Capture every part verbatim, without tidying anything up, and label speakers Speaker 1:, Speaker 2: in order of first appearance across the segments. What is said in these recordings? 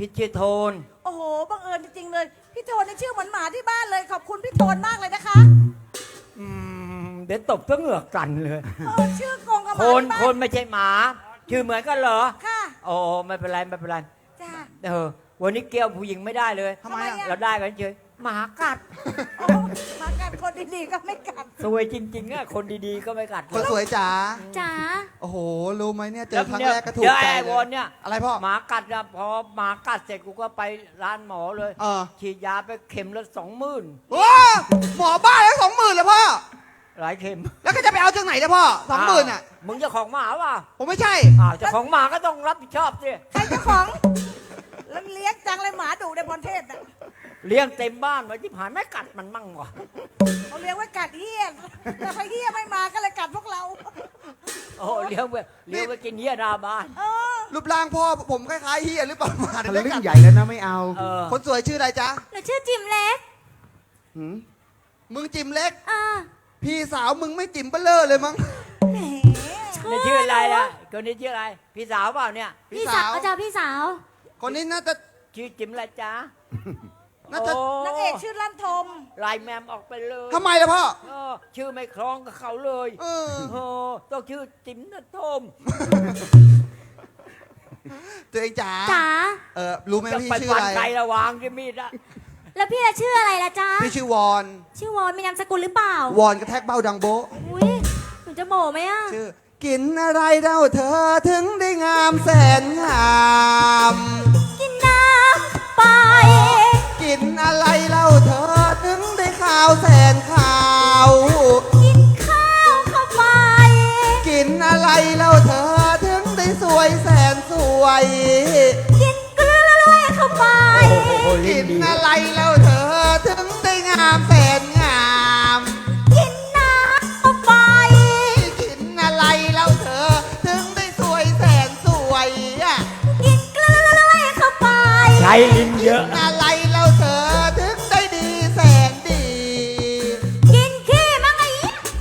Speaker 1: พี่ชื่อโทน
Speaker 2: โอ้โหบังเอิญจริงๆเลยพี่โทนในชื่อเหมือนหมาที่บ้านเลยขอบคุณพี่โทนมากเลยนะคะ
Speaker 1: อืมเดี๋ยวตบทั้งเหงือกกันเลย
Speaker 2: เออชื่อกงกับห
Speaker 1: ค
Speaker 2: มาน ที่บ้า
Speaker 1: คนไม่ใช่หมา ชื่อเหมือนกันเหรอ
Speaker 2: ค่ะ
Speaker 1: โอ้ไม่เป็นไรไม่เป็นไร
Speaker 2: จ้า
Speaker 1: เออวันนี้เกี่ยวผู้หญิงไม่ได้เลย
Speaker 2: ทำไมอะ
Speaker 1: เราได้กันเฉยหมากัด
Speaker 2: โอ้มากัดคนดีๆก็ไม่กัด
Speaker 1: สวยจริงๆอะคนดีๆก็ไม่กัด
Speaker 3: คนสวยจ๋า
Speaker 4: จ๋า
Speaker 3: โอ้โห รู้ไหมเนี่ย เจ
Speaker 1: แล้
Speaker 3: อ
Speaker 1: ว
Speaker 3: ครั้ง
Speaker 1: เนี่ย
Speaker 3: แรกก็ถูก
Speaker 1: เดี๋ยว
Speaker 3: ใจ
Speaker 1: ไอ้
Speaker 3: เล
Speaker 1: วย นเนี่ย
Speaker 3: อะไรพ่อ
Speaker 1: หมากัดนะพอหมากัดเสร็จกูก็ไปร้านหมอเลย
Speaker 3: เออ
Speaker 1: ฉีดยาไปเข็มละสองหมื่น
Speaker 3: โอ้หมอบ้าแล้วสองหมื่นเลยพ่อ
Speaker 1: หลายเข็ม
Speaker 3: แล้วก็จะไปเอาจากไหนเนี่ยพ่อสองหมื่นอ่ะ
Speaker 1: าวมึงเจ้าของหมาเปล่า
Speaker 3: ผมไม่ใช่
Speaker 1: อ้าวเจ้าของหมาก็ต้องรับผิดชอบสิ
Speaker 2: ใครเจ้าของแล้วเลี้ยงจังเลยหมาดุในพรเทพน่ะ
Speaker 1: เลี้ยงเต็มบ้านไว้ที่ผ่านไม่กัดมันมั่งวะ
Speaker 2: เขาเลี้ยงไว้กัดเฮียแต่พอเฮียไม่มาก็เลยกัดพวกเรา
Speaker 1: โอ้เลี้ยงไว้เลี้ยงไว้กินเหี้ยหน้าบ้าน
Speaker 2: เออ
Speaker 3: รูปร่างพ่อผมคล้ายๆเฮียหรือเปล่ามา
Speaker 5: ทะ
Speaker 3: ได้
Speaker 5: ลึ่
Speaker 3: กั
Speaker 5: ง
Speaker 3: ด
Speaker 5: ใหญ่แล้วนะไม่เอา
Speaker 1: เออ
Speaker 3: คนสวยชื่ออะไรจ๊ะ
Speaker 4: หนูชื่อจิมเล็ก
Speaker 5: หืม
Speaker 3: มึงจิมเล็ก
Speaker 4: อ่า
Speaker 3: พี่สาวมึงไม่จิมเบลเลอร์เลยมั้ง
Speaker 2: แหม
Speaker 1: นี่ชื่ออะไรล่ะคนนี้ชื่ออะไร พี่สาวเปล่าเนี่ย
Speaker 4: พี่สาวอาจารย์พี่สาว
Speaker 3: คนนี้น่าจะ
Speaker 1: ชื่อจิ๋มอะไรจ๊ะ
Speaker 3: น่าจะ
Speaker 1: โ
Speaker 2: นางเอกชื่อลั่นทม
Speaker 1: ไลน์แมมออกไปเลย
Speaker 3: ทำไมล่ะพ่อ
Speaker 1: เออชื่อไม่คล้องกับเขาเลย
Speaker 3: เออ
Speaker 1: โอ้ต้องชื่อจิ๋มนะทม
Speaker 3: ตัวเองจ๋า
Speaker 4: จ๋า
Speaker 3: เออรู้ไหม
Speaker 1: จะ
Speaker 3: ว่าพี่
Speaker 1: ไป
Speaker 3: ชื่อ
Speaker 1: ฟั
Speaker 3: อะ
Speaker 1: น
Speaker 3: ไร
Speaker 1: ไก่ระวางที่มีดอะ
Speaker 4: แล้วพี่จะชื่ออะไรล่ะจ๊ะ
Speaker 3: พี่ชื่อวอน
Speaker 4: ชื่อวอนมีนามสกุลหรือเปล่า
Speaker 3: วอนกระแทกเบ้าดังโบะ
Speaker 4: อุ้ยหนูจะโบไหมอ่ะ
Speaker 3: ชื่อ กินอะไรเล่าเธอถึงได้งามแสนงาม
Speaker 4: กินน้ำไป
Speaker 3: กินอะไรเล่าเธอถึงได้ข่าวแสนข่าว
Speaker 4: กินข้าวเข้าไป
Speaker 3: กินอะไรเล่าเธอถึงได้สวยแสนสวย
Speaker 4: กินกล้วยเข้าไป
Speaker 1: โอ้โห
Speaker 3: กิ
Speaker 1: ลิ้น
Speaker 3: น
Speaker 1: ดี
Speaker 3: อะไรเล่าเธอถึงได้งามแสนงาม
Speaker 4: กินน้ำเข้าไป
Speaker 3: กินอะไรเล่าเธอถึงได้สวยแสนสวยอะ
Speaker 4: กินกล้วยเข้าไป
Speaker 1: ใช้ลิ้นเยอะ
Speaker 3: อะไรเล่าเธอถึงได้ดีแสนดี
Speaker 4: กินขี้มั้งไอ้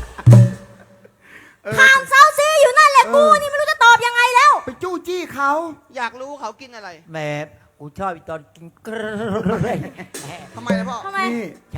Speaker 4: ถามเซาซีอยู่นั่นแหละกูนี่ไม่รู้จะตอบยังไงแล้ว
Speaker 5: ไปจู้จี้เขา
Speaker 3: อยากรู้เขากินอะไร
Speaker 1: แหมกูชอบอีตอนกินกรร
Speaker 3: ทำไมนะพ่อ
Speaker 4: ทำไม
Speaker 5: นี่
Speaker 1: ใช้